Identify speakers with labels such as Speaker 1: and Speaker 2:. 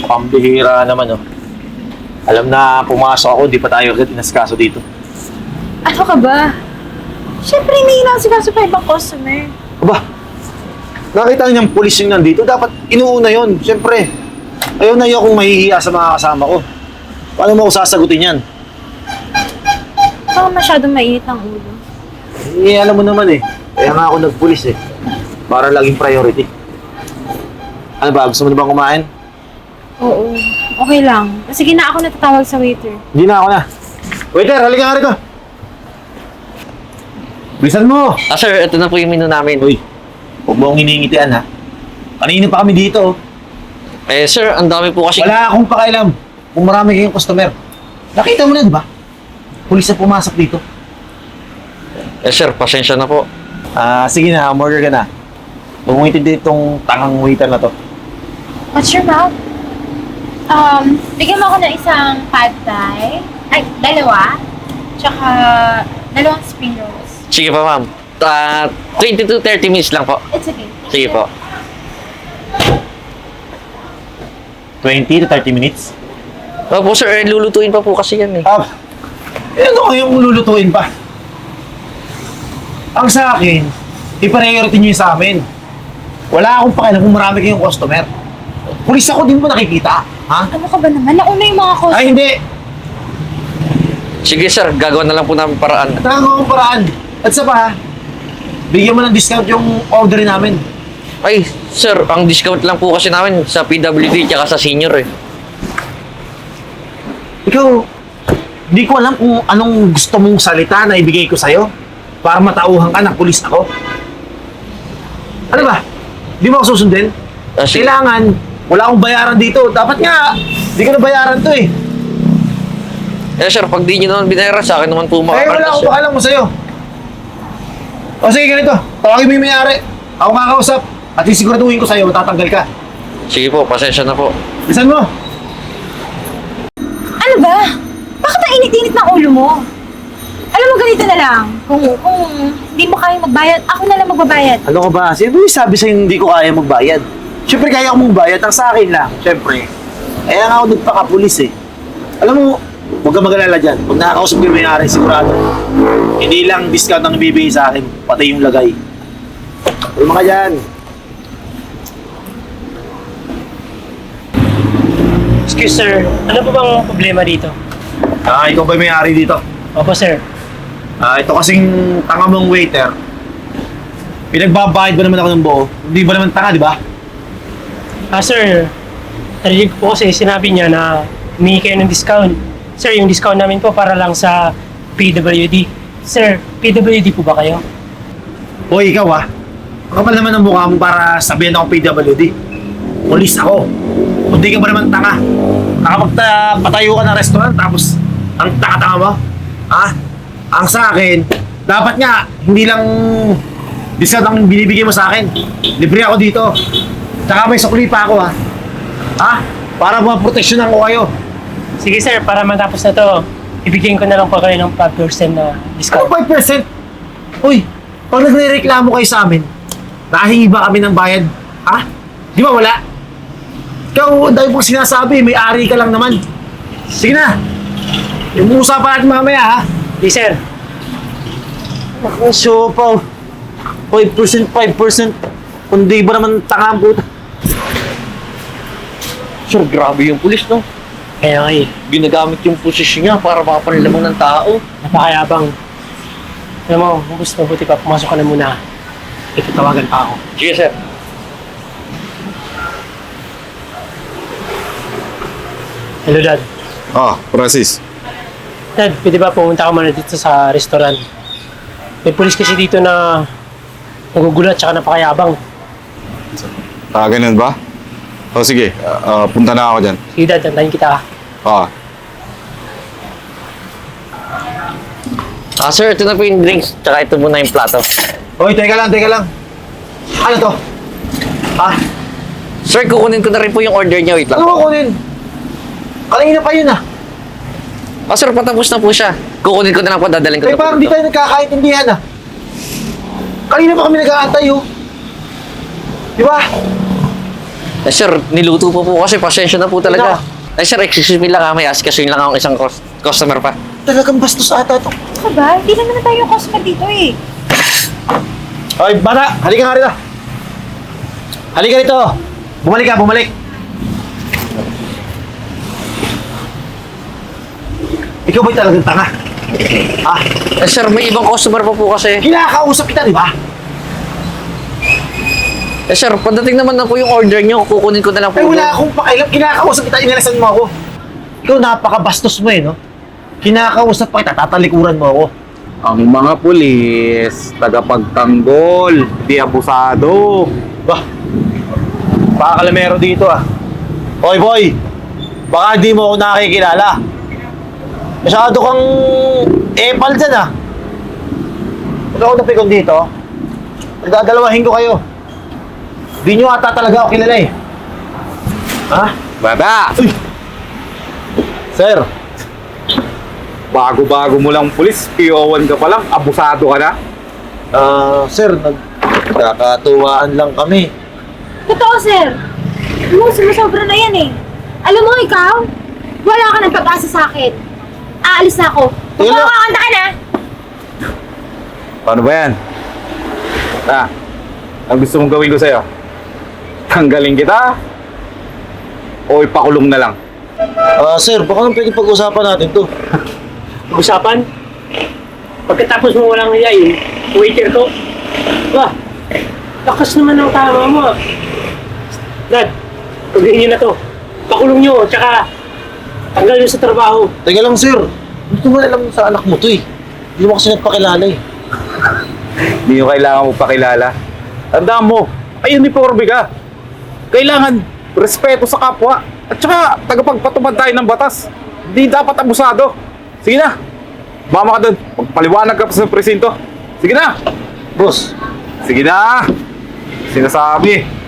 Speaker 1: Pambihira naman, oh. Alam na pumasok ako, di pa tayo agad inaskaso dito.
Speaker 2: Ano ka ba? Siyempre, hindi lang si kaso pa ibang customer.
Speaker 1: Aba, nakita niyang pulis yung nandito, dapat inuuna yon. Siyempre, ayaw na ayaw kong mahihiya sa mga kasama ko. Paano mo ako sasagutin yan?
Speaker 2: Baka masyadong mainit ang ulo.
Speaker 1: Eh, alam mo naman eh. Kaya nga ako nagpulis eh. Para laging priority. Ano ba, gusto mo na bang kumain?
Speaker 2: Oo, okay lang. Sige na, ako natatawag sa waiter.
Speaker 1: Hindi na ako na. Waiter, halika nga rito. Bilisan mo!
Speaker 3: Sir, ito na po yung menu namin.
Speaker 1: Uy, huwag mo akong hinihingitian ha. Kanina pa kami dito.
Speaker 3: Sir, ang dami po kasi...
Speaker 1: Wala akong pakailam kung marami kayong customer. Nakita mo na, di ba? Pulis na pumasok dito.
Speaker 3: Sir, pasensya na po.
Speaker 1: Sige na, umorder ka na. Huwag mo itindi itong tangang waiter na to.
Speaker 2: What's your mouth? Bigyan mo ako ng isang pad thai. Ay, dalawa. Tsaka, dalawang spring rolls.
Speaker 3: Sige pa, ma'am. 20 to 30 minutes lang po.
Speaker 2: It's okay.
Speaker 3: Sige po.
Speaker 1: 20 to 30 minutes?
Speaker 3: Opo, sir. Lulutuin pa po kasi yan eh.
Speaker 1: Ano kayong lulutuin pa? Ang sa akin, i-priority nyo yung sa amin. Wala akong pakialam kung marami kayong customer. Pulis ako, din mo nakikita. Ha?
Speaker 2: Ano ka ba naman? Nauna yung mga customer.
Speaker 1: Ay, hindi.
Speaker 3: Sige, sir. Gagawa na lang po namin paraan.
Speaker 1: Talagang akong paraan. At sa pa, bigyan mo ng discount yung order namin.
Speaker 3: Ay, sir. Ang discount lang po kasi namin sa PWD tsaka sa senior eh.
Speaker 1: Ikaw, di ko alam kung anong gusto mong salita na ibigay ko sa'yo para matauhan ka na pulis ako. Ano ba? Di mo ako susundin?
Speaker 3: Sige.
Speaker 1: Kailangan, wala akong bayaran dito. Dapat nga, di ko na bayaran to eh.
Speaker 3: Sir, pag di nyo naman binayaran sa akin naman po
Speaker 1: Eh, wala akong pakalam mo sa'yo. O sige, ganito. Tawagin mo yung may-ari. Ako kakausap. At isiguraduhin ko sa'yo, matatanggal ka.
Speaker 3: Sige po, pasensya na po.
Speaker 1: Bisan mo.
Speaker 2: Ano ba? Bakit ang init-init ng ulo mo? Alam mo, ganito na lang. Kung hindi mo kaya magbayad, ako na lang magbabayad.
Speaker 1: Ano ka ba? Sino yung sabi sa'yo hindi ko kaya magbayad? Siyempre, kaya ko magbayad. Ang sa akin lang, siyempre. Kaya nga ako nagpakapulis eh. Alam mo, huwag ka mag-alala dyan. Pag nakakausap ko yung may-ari, sigurado. Hindi lang discount ang ibibigay sa akin, pati yung lagay. Tulma ka dyan.
Speaker 4: Excuse sir, ano po bang problema dito?
Speaker 1: Ikaw ba yung may-ari dito?
Speaker 4: Opo sir.
Speaker 1: Ito kasing tanga mong waiter. Pinagbabayad ba naman ako ng buo? Hindi ba naman tanga, di ba?
Speaker 4: Sir, narinig po kasi sinabi niya na humingi kayo ng discount. Sir, yung discount namin po para lang sa PWD. Sir, PWD po ba kayo?
Speaker 1: Hoy, ikaw kapal naman ang mukha mo para sabihin ako PWD. Pulis ako. Kung di ka ba naman tanga? Nakapagpatayo ka ng restaurant tapos ang tanga-tanga mo? Ang sa akin, dapat nga, hindi lang discount ang binibigay mo sa akin. Libre ako dito. Tsaka may sukli pa ako para maproteksyonan ko kayo.
Speaker 4: Sige sir, para matapos na to, ibigyan ko na lang po kayo ng 5% na
Speaker 1: Ano
Speaker 4: discount.
Speaker 1: 5%? Uy, pag nagre-reklamo kayo sa amin, nahingi ba kami ng bayad? Di ba wala? Ikaw, dahil pong sinasabi, may ari ka lang naman. Sige na. Yung usapan natin mamaya,
Speaker 4: Yes sir.
Speaker 1: Naku, siopaw. 5%. Kundi ba naman tanga ang puta?
Speaker 3: Sir, grabe yung pulis, no?
Speaker 4: Kaya nga
Speaker 3: Ginagamit yung posisyon niya para makapanlamang ng tao.
Speaker 4: napakayabang. Alam mo, mas mabuti pa, pumasok ka na muna. Itatawagan pa ako.
Speaker 3: Sige, sir.
Speaker 4: Hello dad.
Speaker 5: Francis.
Speaker 4: Dad, pwede ba pumunta ka muna dito sa restaurant? May pulis kasi dito na nagugulat tsaka napakayabang.
Speaker 5: Ganun ba? Sige. Punta na ako dyan.
Speaker 4: Sige dad, antayin kita.
Speaker 3: Sir, ito na po yung drinks. Tsaka ito muna yung plato.
Speaker 1: Hoy, teka lang. Ano to?
Speaker 3: Sir, kukunin ko na rin po yung order niya. Wait lang
Speaker 1: Ano
Speaker 3: po.
Speaker 1: mo kunin? Kanina pa yun
Speaker 3: Sir, patapos na po siya. Kukunin ko na lang po, dadalhin ko na po.
Speaker 1: parang di
Speaker 3: dito.
Speaker 1: tayo nagkakaintindihan Kanina pa kami nag-aantay Di ba?
Speaker 3: Eh, sir, niluto po kasi. Pasensya na po talaga. Eh, sir, excuse me lang may asikasuhin lang akong isang customer pa.
Speaker 1: Talagang bastos ata to.
Speaker 2: Ano ba? Hindi naman tayo customer dito eh.
Speaker 1: Hoy, bata! Halika nga rito! Halika rito! Bumalik ka, bumalik! Ikaw ba'y talagang tanga? Ha?
Speaker 3: Eh, sir, may ibang customer pa po kasi.
Speaker 1: Kinakausap kita, di ba?
Speaker 3: Eh, sir, pagdating naman na po yung order nyo, kukunin ko na lang po.
Speaker 1: Ay, wala akong pakialam. Kinakausap kita, inalasan mo ako. Ikaw, napakabastos mo eh, no? Kinakausap pa kita, tatalikuran mo ako.
Speaker 5: Ang mga pulis, tagapagtanggol, di abusado.
Speaker 1: Bah, pakakalamero dito ah. Hoy boy, baka di mo ako nakikilala. Masyado kang epal dyan ah. Pag ako napikon dito, nagdadalawahin ko kayo. Di nyo ata talaga ako kilala eh. Ha?
Speaker 5: Baba!
Speaker 1: Uy! Sir,
Speaker 5: Bago-bago mo lang pulis, PO1 ka pa lang, abusado ka na.
Speaker 1: sir, nagkakatuwaan lang kami.
Speaker 2: Totoo, sir. Sumusobra na yan eh. Alam mo, ikaw, wala ka ng pag-asa sa akin. Aalis na ako.
Speaker 1: Yun lang.
Speaker 2: Magpapakanta ka na.
Speaker 5: Paano ba yan? Ang gusto mong gawin ko sa'yo? Tanggalin kita? O ipakulong na lang?
Speaker 1: Sir, baka nang pwede pag-usapan natin to.
Speaker 4: Usapan. Pagkatapos mo walang hiyain, waiter ko. Wah, lakas naman ng tama mo. Dad, pagdahin niyo na to. Pakulong niyo, tsaka tanggal niyo sa trabaho.
Speaker 1: Teka lang, sir. Gusto mo alam sa anak mo to eh. Hindi mo kasi nagpakilala eh.
Speaker 5: Hindi nyo kailangan mo pakilala. Tandaan mo, ay uniforme ka. Kailangan respeto sa kapwa. At saka, tagapagpatupad tayo ng batas. Hindi dapat abusado. Sige na. Mama ka doon. Magpaliwanag ka pa sa presinto. Sige na.
Speaker 1: Boss,
Speaker 5: Sige na. Sinasabi.